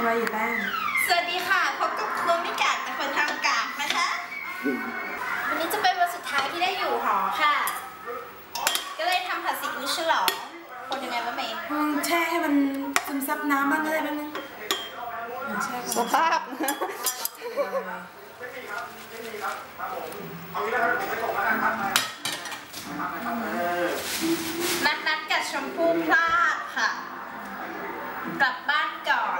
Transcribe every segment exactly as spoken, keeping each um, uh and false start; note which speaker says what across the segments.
Speaker 1: ไว้อยู่แป้ง
Speaker 2: สวัสดีค่ะพบกับครัวไม่กากแต่คนทำกากนะคะวันนี้จะเป็นวันสุดท้ายที่ได้อยู่หอค่ะก็เลยทำผัดซีอิ๊วฉลองคนยังไงวะเมย์
Speaker 1: แช่ให้มันซึมซับน้ำบ้างก็ได้บ้างนึง
Speaker 2: สภาพนัดนัดกับชมพู่พลาดค่ะกลับบ้านก่อน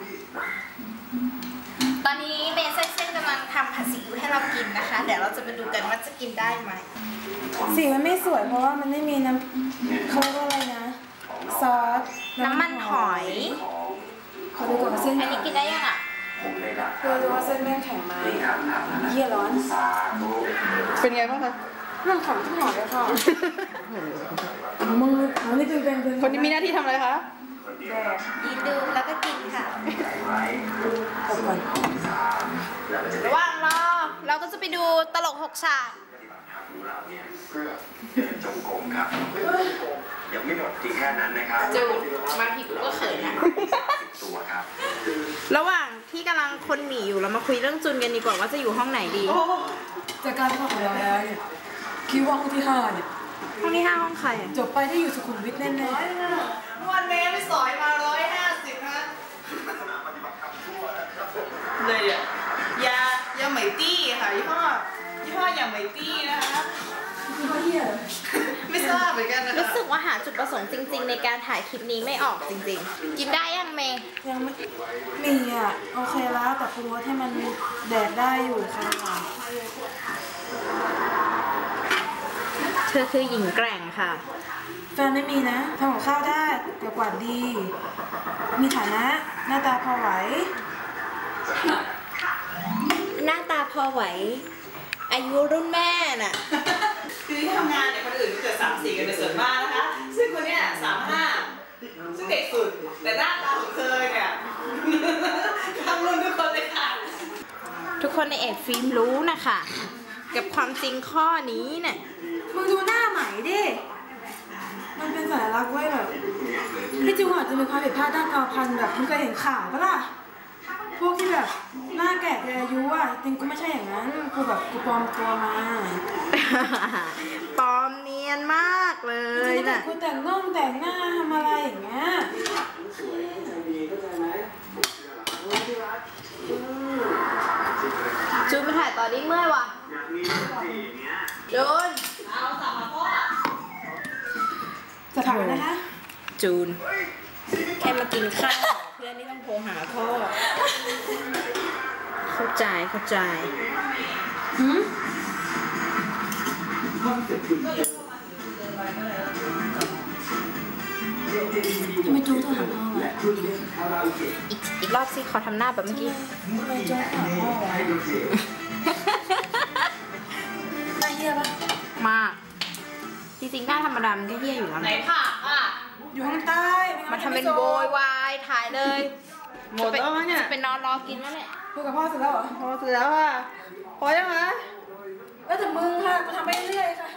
Speaker 2: ตอนนี้เมย์เส้นกำลังทำผัดซีอิ๊วให้เรากินนะคะเดี๋ยวเราจะมาดูกันว่าจะกินได้ไหม
Speaker 1: สีมันไม่สวยเพราะว่ามันไม่มีน้ำเขาเรียกว่าอะไรนะซอส
Speaker 2: น้ำมันหอย
Speaker 1: เขาดูก่อนเส้น
Speaker 2: อันนี้กินได้ยังอ่ะ
Speaker 1: เธอดูว่าเส้นแม่งแข็งไหมเยี่ยร้อน
Speaker 3: เป็นไงบ้างคะ
Speaker 1: มันของที่หอเลยค่ะมืออันนี้เป็นเป็น
Speaker 3: คนที่มีหน้าที่ทำอะไรคะ
Speaker 1: แดก
Speaker 2: ยืนดูแล้วก็กินค่ะ
Speaker 1: ตบก่อน
Speaker 2: ระหว่างรอเราก็จะไปดูตลกหกฉาก
Speaker 4: จงกรมครับยังไม่หมดที่แค่นั้นนะครับ
Speaker 2: จูบางทีกูก็เขินนะ
Speaker 4: ตัวครับ
Speaker 2: ระหว่างที่กำลังคนหนีอยู่เรามาคุยเรื่องจุนกันดีกว่าว่าจะอยู่ห้องไหนดี
Speaker 1: จากการที่ของเราแล้วเนี่ยคิดว่าห้องที่ห้าเนี่ย
Speaker 2: ห้องที่ห้าห้องใคร
Speaker 1: จบไปได้อยู่สุขุมวิทแน่
Speaker 2: ๆวันเมย์ไปสอยมาร้อยห้าสิบนะ
Speaker 3: เลยอ่ะยายาไหมตี้ค่ะยี่ห้อยี่ห้อยาไหมตี้นะคะ
Speaker 1: ยี่ห้อเหี้ย
Speaker 3: ไม่ทราบเหมือนกันนะคะ
Speaker 2: รู้สึกว่าหาจุดประสงค์จริงๆในการถ่ายคลิปนี้ไม่ออกจริงๆกินได้ยังเมย์
Speaker 1: ยังไม่มีอ่ะโอเคแล้วแต่ปรุงรสให้มันแดดได้อยู่ค่ะ
Speaker 2: เธอคือหญิงแกร่งค่ะ
Speaker 1: แฟนไม่มีนะทำกับข้าวได้แต่กวาดดีมีฐานะหน้าตาพอไหว
Speaker 2: หน้าตาพอไหวอายุรุ่นแม่น่ะ
Speaker 3: คือที่ทำงานเนี่ยคนอื่นเกิดสามสี่กันเป็นส่วนมากนะคะซึ่งคนเนี้ยสามห้าซึ่งเด็กสุดแต่หน้าตาของเธอเนี่ยทำรุ่นทุกคนเลยค่ะ
Speaker 2: ทุกคนในเอ็ดฟิล์มรู้นะคะกับความจริงข้อนี้เนี่ย
Speaker 1: มึงดูหน้าใหม่ดิมันเป็นสัญลักษณ์ไว้แบบที่จริงอาจจะมีความผิดพลาดด้านกรรมพันธุ์แบบมึงเคยเห็นข่าวปะล่ะพวกที่แบบหน้าแก่เกินอายุอ่ะจริงกูไม่ใช่อย่างนั้นกูแบบกูปลอมตัวมา
Speaker 2: ปลอมเนียนมากเลย
Speaker 1: นะกูแต่งน่องแต่งหน้าทำอะไรอย่างเงี้ย
Speaker 2: จูนมาถ่ายตอนนี้เมื่อยว่ะจูน
Speaker 3: เอาสามพ่อ
Speaker 1: จะถ่ายนะคะ
Speaker 2: จูนแค่มากินข้าวเพื่อนนี่ต้องโทรหาพ่อเข้าใจเข้าใจ
Speaker 1: หืมทำไมจูนโทรหาพ่อวะ
Speaker 2: อีกอีกรอบสิขอทำหน้าแบบเมื่อกี้
Speaker 1: ทำไมจูนหาพ่อวะน่าเหี้ยปะ
Speaker 2: มากจริงๆหน้าธรรมดามันก็เหี้ยอยู่แล้ว
Speaker 3: ไหนผักอ่ะ
Speaker 1: อยู่ข้างใต้
Speaker 2: มาทำเป็นโวยวายถ่ายเลย
Speaker 3: หมดแล้วมั้งเนี่ย
Speaker 2: จะเป็นนอนรอกินแล้วเนี่ย
Speaker 1: คุยกับพ่อเสร็จแล้วเหรอ
Speaker 3: พอเสร็จแล้วอ่ะพอยังไง
Speaker 1: แล้วแต่มึงค่ะกูทำไปเรื่อยค่ะ